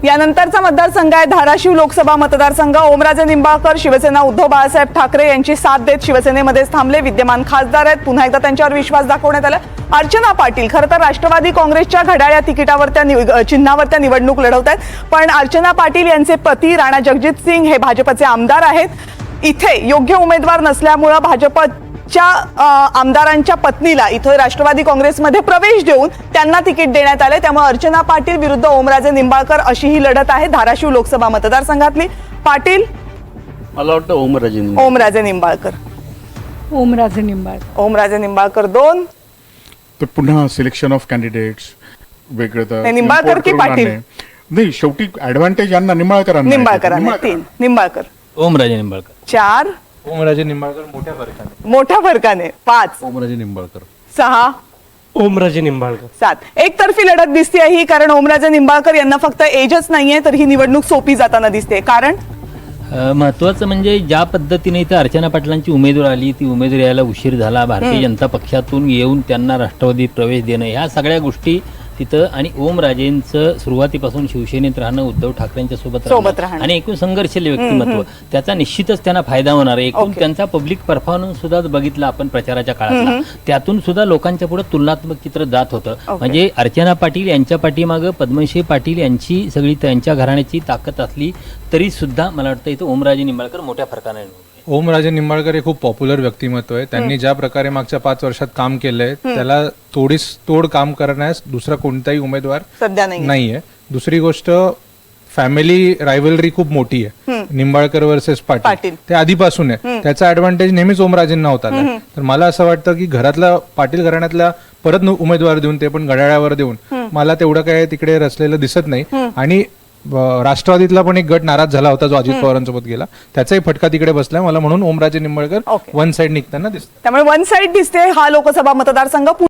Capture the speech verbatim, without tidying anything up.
यानंतरचा मतदारसंघ आहे धाराशिव लोकसभा मतदारसंघ। ओमराजे निंबाळकर शिवसेना उद्धव बाळासाहेब ठाकरे यांची साथ देत शिवसेनेमध्येच थांबले। विद्यमान खासदार आहेत, पुन्हा एकदा त्यांच्यावर विश्वास दाखवण्यात आला। अर्चना पाटील खरं तर राष्ट्रवादी काँग्रेसच्या घड्याळ्या तिकिटावर त्या चिन्हावर त्या निवडणूक लढवत आहेत, पण अर्चना पाटील यांचे पती राणा जगजित सिंग हे भाजपचे आमदार आहेत। इथे योग्य उमेदवार नसल्यामुळे भाजपच्या आमदारांच्या पत्नीला इथे राष्ट्रवादी काँग्रेसमध्ये प्रवेश देऊन त्यांना तिकीट देण्यात आले। त्यामुळे अर्चना पाटील विरुद्ध ओमराजे निंबाळकर अशी ही लढत आहे धाराशिव लोकसभा मतदारसंघातली। पाटील मला वाटतं ओमराजे ओमराजे निंबाळकर ओमराजे निंबाळकर ओमराजे निंबाळकर दोन तर पुन्हा सिलेक्शन ऑफ कॅन्डिडेट्स वेगळं तर निंबाळकर की पाटील? नाही, शेवटी ऍडव्हान्टेज यांना निंबाळकरांना निंबाळकरांना तीन निंबाळकर ओमराजे निंबाळकर चार ओमराजे निंबाळकर मोठ्या फरकाने मोठ्या फरकाने पाच ओमराजे निंबाळकर सहा ओमराजे निंबाळकर सात एकतर्फी लढत दिसते ही, कारण ओमराजे निंबाळकर यांना फक्त एजच नाहीये तर ही निवडणूक सोपी जाताना दिसते। कारण महत्वाचं म्हणजे ज्या पद्धतीने इथं अर्चना पाटलांची उमेदवार आली ती उमेदवार यायला उशीर झाला, भारतीय जनता पक्षातून येऊन त्यांना राष्ट्रवादी प्रवेश देणं ह्या सगळ्या गोष्टी तिथं, आणि ओमराजेंचं सुरुवातीपासून शिवसेनेत राहणं, उद्धव ठाकरेंच्या सोबत सोबत राहणं आणि एकूण संघर्षशील व्यक्तिमत्व त्याचा निश्चितच त्यांना फायदा होणार आहे। एकूण त्यांचा पब्लिक परफॉर्मन्स सुद्धा बघितला आपण प्रचाराच्या काळातला, त्यातून सुद्धा लोकांच्या पुढे तुलनात्मक चित्र जात होतं। म्हणजे अर्चना पाटील यांच्या पाठीमागं पद्मश्री पाटील यांची सगळी त्यांच्या घराण्याची ताकद असली तरी सुद्धा मला वाटतं इथं ओमराजे निंबाळकर मोठ्या फरकाने ओमराजे निंबाळकर हे खूप पॉप्युलर व्यक्तिमत्व आहे। त्यांनी ज्या प्रकारे मागच्या पाच वर्षात काम केलंय त्याला तोडीस तोड काम करण्यास दुसरा कोणताही उमेदवार सध्या नाही नाहीये। दुसरी गोष्ट, फॅमिली रायव्हलरी खूप मोठी आहे निंबाळकर वर्सेस पाटील, ते आधीपासून आहे। त्याचा ऍडव्हान्टेज नेहमीच ओमराजेंना होता। तर मला असं वाटतं की घरातला पाटील घराण्यातला परत उमेदवार देऊन, ते पण घड्याळावर देऊन, मला तेवढं काय तिकडे रचलेलं दिसत नाही। आणि राष्ट्रवादीतला पण एक गट नाराज झाला होता जो अजित पवारांसोबत गेला, त्याचाही फटका तिकडे बसलाय मला, म्हणून ओमराजे निंबाळकर वन साइड निघताना दिसतात। त्यामुळे वन साइड दिसते हा लोकसभा मतदारसंघ।